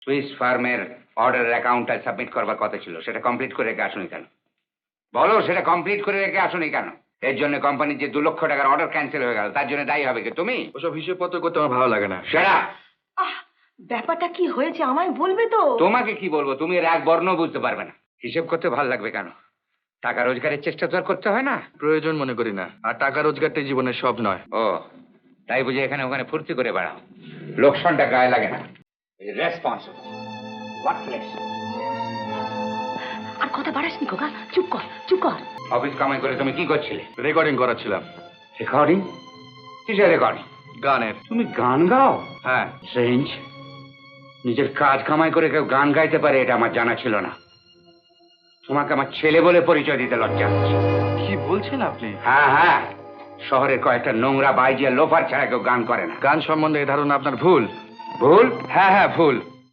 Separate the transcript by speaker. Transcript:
Speaker 1: Swiss ফার্মের অর্ডারের অ্যাকাউন্টটা সাবমিট করবার কথা ছিল, সেটা কমপ্লিট করে রেখে আসুনি কেন? বলো, সেটা কমপ্লিট করে রেখে আসুনি কেন? এর জন্য কোম্পানির যে 2 লক্ষ টাকার অর্ডার ক্যান্সেল হয়ে গেল, তার জন্য দায়ী হবে কি তুমি?
Speaker 2: ওসব হিসেবপত্র করতে আমার ভালো লাগে না।
Speaker 1: সেটা
Speaker 3: আহ, ব্যাপারটা কি হয়েছে আমায় বলবে তো?
Speaker 1: তোমাকে কি বলবো, তুমি এর এক বর্ণ বুঝতে পারবে না। হিসেব করতে ভালো লাগবে কেন? টাকা রোজগারের চেষ্টা তো আর করতে হয় না।
Speaker 2: প্রয়োজন মনে করি না, আর টাকা রোজগারটাই জীবনের সব নয়।
Speaker 1: ও, তাই বুঝে এখানে ওখানে ফুর্তি করে বেড়াও। লোকসানটা গায়ে লাগে না। Responsible workless.
Speaker 3: আর কথা বাড়াসনি খোকা, চুপ কর চুপ কর।
Speaker 1: অফিস কামাই করে তুমি কি করছিলে?
Speaker 2: রেকর্ডিং করাচ্ছিলাম।
Speaker 1: রেকর্ডিং? কিসের রেকর্ডিং?
Speaker 2: গানের।
Speaker 1: তুমি গান গাও?
Speaker 2: হ্যাঁ।
Speaker 1: স্ট্রেঞ্জ। নিজের কাজ কামাই করে কেউ গান গাইতে পারে এটা আমার জানা ছিল না। তোমাকে আমার ছেলে বলে পরিচয় দিতে লজ্জা হচ্ছে।
Speaker 2: কি বলছেন আপনি?
Speaker 1: হ্যাঁ হ্যাঁ, শহরের কয়েকটা নোংরা বাইজিয়া লোফার ছাড়া কেউ গান করে না।
Speaker 2: গান সম্বন্ধে এই ধারণা আপনার ভুল।
Speaker 1: ভুল?
Speaker 2: হ্যাঁ হ্যাঁ ভুল।